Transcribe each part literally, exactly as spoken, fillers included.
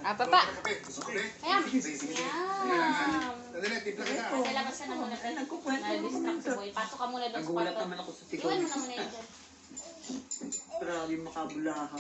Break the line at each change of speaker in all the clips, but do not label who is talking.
Ah, papa.
Gusto ko kape?
Ayan.
Sige, sige, sige.
Ayan.
Dali, timpla kita.
Nalabasan na muna. Na-distract si Boy. Pasok ka muna doon sa
Nagulat
kwarto.
naman ako sa
Iwan
tikon.
mo na muna yun dyan.
Grabe makabulahan.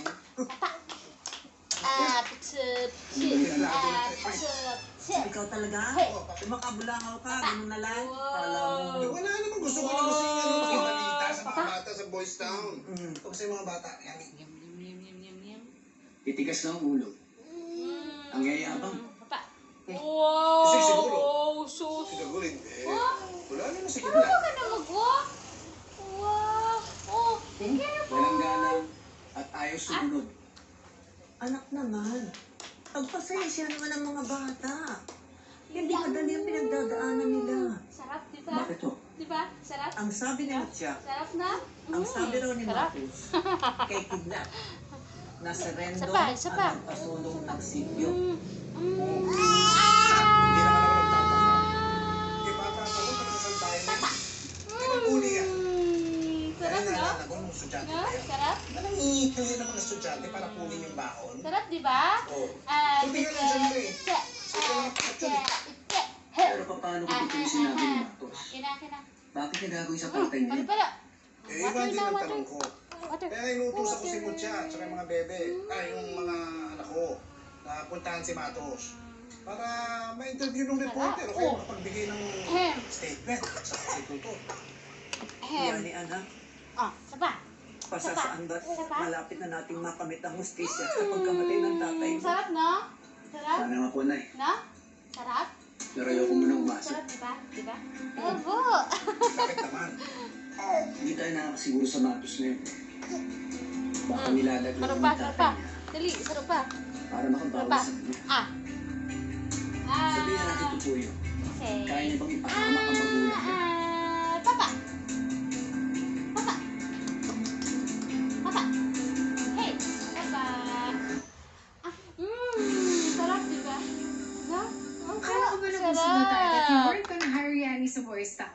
Ah, putsup. Ah, putsup.
Ikaw talaga?
Hey.
Eh, makabulahaw ka, ganun na lang. Kala mo.
Eh, wala naman gusto ko lang kasi ano, makibalita sa mga bata sa Boys Town.
Mm.
Ito kasi mga bata. Yan.
Yum, yum, yum, yum, yum, yum.
Titigas na ang ulo.
Mm.
Ang yayabang.
Papa.
Kasi
Wow!
siguro.
Sus!
Siguro hindi.
What?
Wala naman sa
Marunong
kanya.
ka na mag-walk? Wow! Oh, kaya po.
Walang galang at ayaw sumunod.
Anak naman. Pagpasensya naman ang mga bata. Hindi madali ang pinagdadaanan nila.
Sarap, di ba?
Bakit to?
Di ba? Sarap?
Ang sabi ni Mutya,
Sarap na?
ang
Mm,
sabi raw ni
sarap.
Marcos, kay Kidnap, na si Rendo
Isa pa, isa pa.
ang nagpasulong ng sityo.
Mm, mm.
Hindi naman ako nagtataka. Hindi bata pa rin kasi sa bahay na. Hindi ba huli yan?
Mm,
Kaya
sarap, no?
naalala ko nung estudyante
No?
pa yan.
Sarap?
Anong iipili ng mga estudyante para kunin yung baon?
Sarap, di ba?
Oo.
Ah,
Buti nga nandiyan ka eh.
tse,
Sige lang,
ah,
actually.
tse, tse.
Pero paano ko ito yung sinabi ni Matos?
Kina, kina.
Bakit niya gagawin sa
Mm,
tatay
pala,
niya?
pala.
Eh,
Water
iba din
na,
ang
water.
tanong ko.
Water.
Kaya inuutusan ko si
Water.
Mutya at saka yung mga bebe, ay yung mga anak ko, na puntahan si Matos. Para ma-interview ng reporter o kaya
Oh.
makapagbigay ng
Ahem.
statement sa konstitutor.
Ahem.
Yan ni anak,
Ah, saba.
pasasaan ba
Sapa?
malapit na nating makamit ang hustisya sa pagkamatay ng tatay mo.
Sarap, no? Sarap?
Sana nga po, Nay.
No? Sarap?
Pero ayoko muna umasa.
Sarap, di ba? Di ba? Opo.
Bakit naman?
Hindi tayo nakakasiguro sa Matos na yun. Baka nilalaglag
Sarap
ng
pa, sarap pa.
tatay niya
Dali, sarap pa.
para makabawas
pa.
sa kanya.
Ah. Ah.
Sabihin na natin tutuyo.
Okay.
Kaya niya bang ipahamak ang magulang niya?
Ah, papa. Papa. Papa. Hey, papa. Ah, mmm, sarap, di ba? No? Ang
Kala ko ba
sarap.
nagustuhan tayo that you weren't gonna hire Yanni sa Boys Town?